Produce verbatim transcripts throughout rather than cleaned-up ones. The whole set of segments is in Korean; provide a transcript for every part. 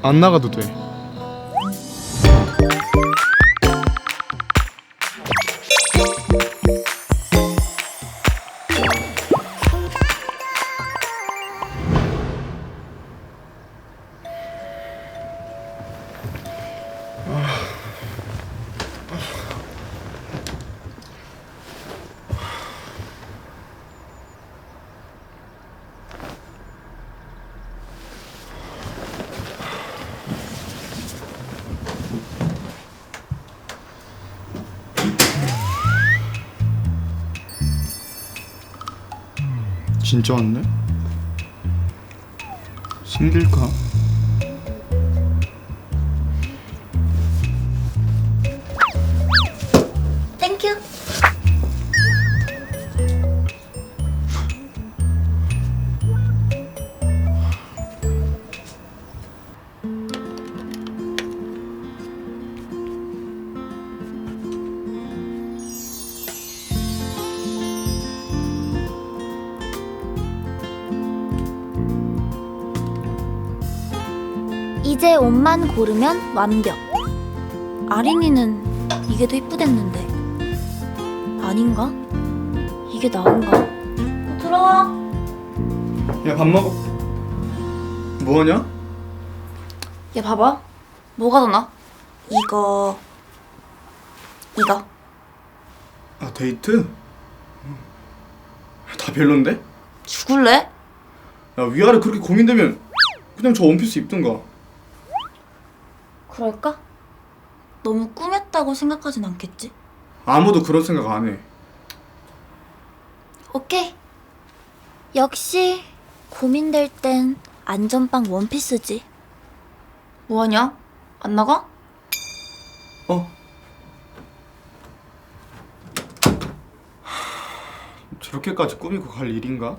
안 나가도 돼. 진짜 왔네? 생길까? 땡큐. 이제 옷만 고르면 완벽. 아린이는 이게 더 이쁘댔는데 아닌가? 이게 나은가? 어, 들어와. 야, 밥 먹어. 뭐하냐? 얘 봐봐. 뭐가 더 나? 이거 이거. 아, 데이트? 다 별론데? 죽을래? 야, 위아래 그렇게 고민되면 그냥 저 원피스 입든가. 그럴까? 너무 꾸몄다고 생각하진 않겠지? 아무도 그런 생각 안 해. 오케이. 역시 고민될 땐 안전빵 원피스지. 뭐하냐? 안 나가? 어? 저렇게까지 꾸미고 갈 일인가?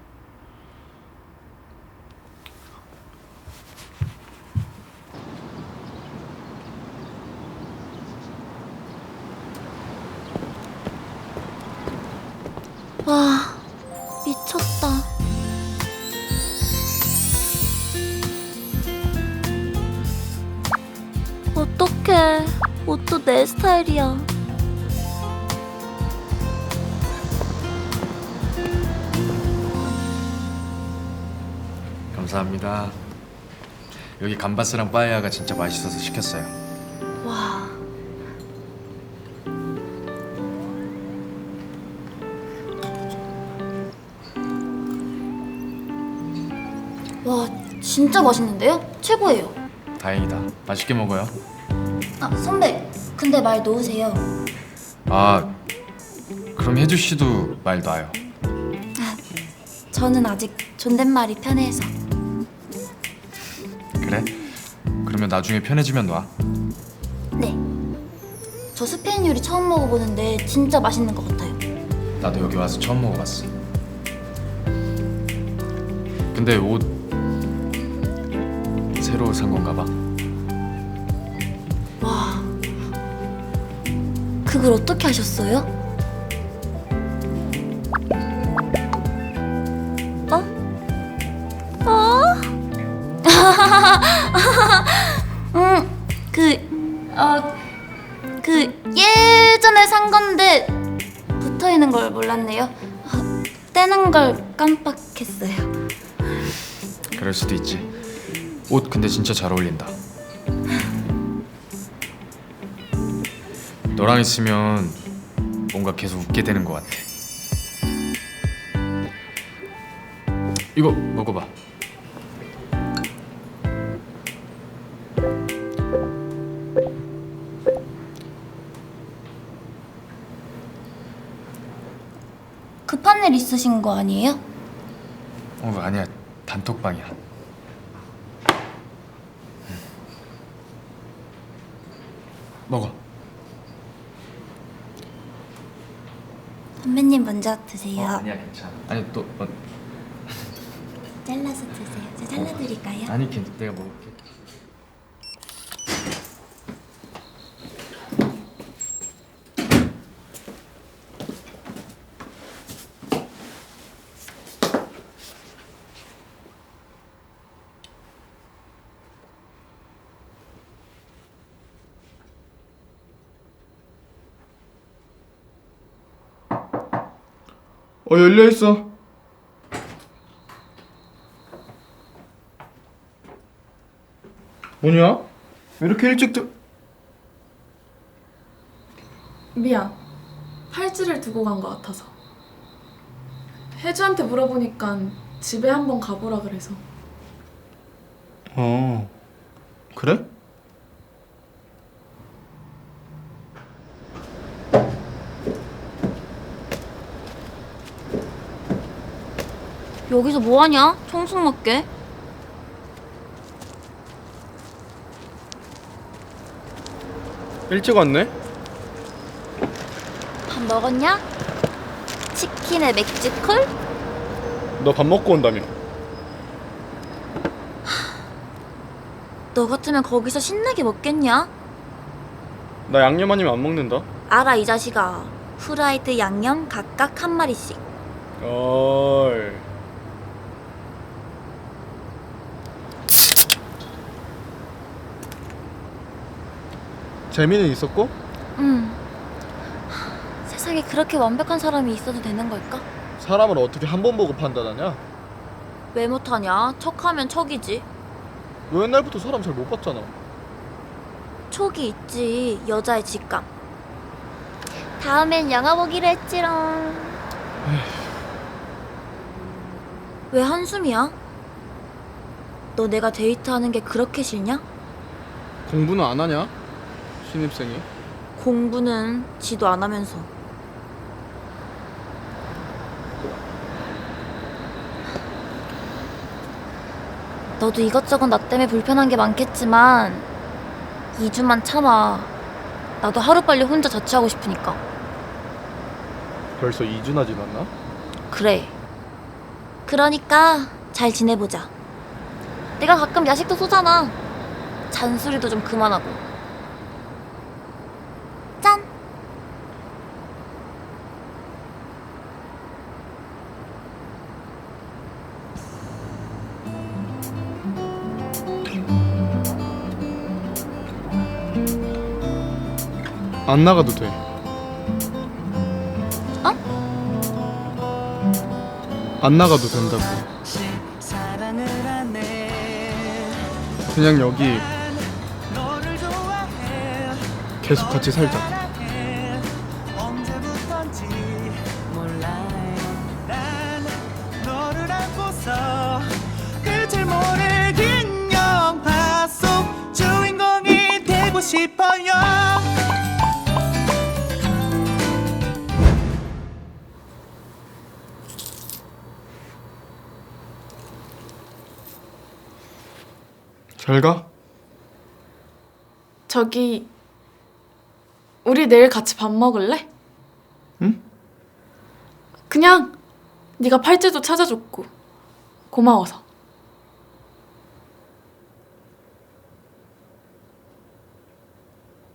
와, 미쳤다. 어떡해. 옷도 내 스타일이야. 감사합니다. 여기 감바스랑 빠에야가 진짜 맛있어서 시켰어요. 와. 와, 진짜 맛있는데요? 최고예요. 다행이다. 맛있게 먹어요. 아, 선배. 근데 말 놓으세요. 아, 그럼 혜주 씨도 말 놔요. 저는 아직 존댓말이 편해서. 그래? 그러면 나중에 편해지면 놔. 네. 저 스페인 요리 처음 먹어보는데 진짜 맛있는 것 같아요. 나도 여기 와서 처음 먹어봤어. 근데 옷 새로 산 건가 봐. 와. 그걸 어떻게 하셨어요? 어? 어? 음, 그, 어, 그 예전에 산 건데 붙어 있는 걸 몰랐네요. 어, 떼는 걸 깜빡했어요. 그럴 수도 있지. 옷 근데 진짜 잘 어울린다. 너랑 있으면 뭔가 계속 웃게 되는 것 같아. 이거 먹어봐. 급한 일 있으신 거 아니에요? 어 아니야, 단톡방이야. 먹어. 선배님 먼저 드세요. 어, 아니야 괜찮아. 아니 또 어, 잘라서 드세요. 제가 잘라드릴까요? 아니 괜찮. 내가 먹을게. 어, 열려있어. 뭐냐? 왜 이렇게 일찍 들... 미안. 팔찌를 두고 간 것 같아서. 혜주한테 물어보니까 집에 한번 가보라 그래서. 어, 그래? 여기서 뭐하냐? 청승 맞게. 일찍 왔네? 밥 먹었냐? 치킨에 맥주 콜? 너 밥 먹고 온다며. 너 같으면 거기서 신나게 먹겠냐? 나 양념 아니면 안 먹는다. 알아 이 자식아. 후라이드 양념 각각 한 마리씩. 어이. 재미는 있었고? 응. 세상에 그렇게 완벽한 사람이 있어도 되는 걸까? 사람을 어떻게 한 번 보고 판단하냐? 왜 못하냐? 척하면 척이지. 너 옛날부터 사람 잘 못 봤잖아. 촉이 있지. 여자의 직감. 다음엔 영화 보기로 했지롱. 왜 한숨이야? 너 내가 데이트하는 게 그렇게 싫냐? 공부는 안 하냐? 신입생이. 공부는 지도 안 하면서. 너도 이것저것 나 때문에 불편한 게 많겠지만 이 주만 참아. 나도 하루빨리 혼자 자취하고 싶으니까. 벌써 이 주나 지났나? 그래. 그러니까 잘 지내보자. 내가 가끔 야식도 쏘잖아. 잔소리도 좀 그만하고. 짠! 안 나가도 돼. 어? 안 나가도 된다고. 그냥 여기 계속 같이 살자. 끝을 모를 긴 영화 속 주인공이 되고 싶어요. 잘 가. 저기 우리 내일 같이 밥 먹을래? 응? 그냥 네가 팔찌도 찾아줬고 고마워서.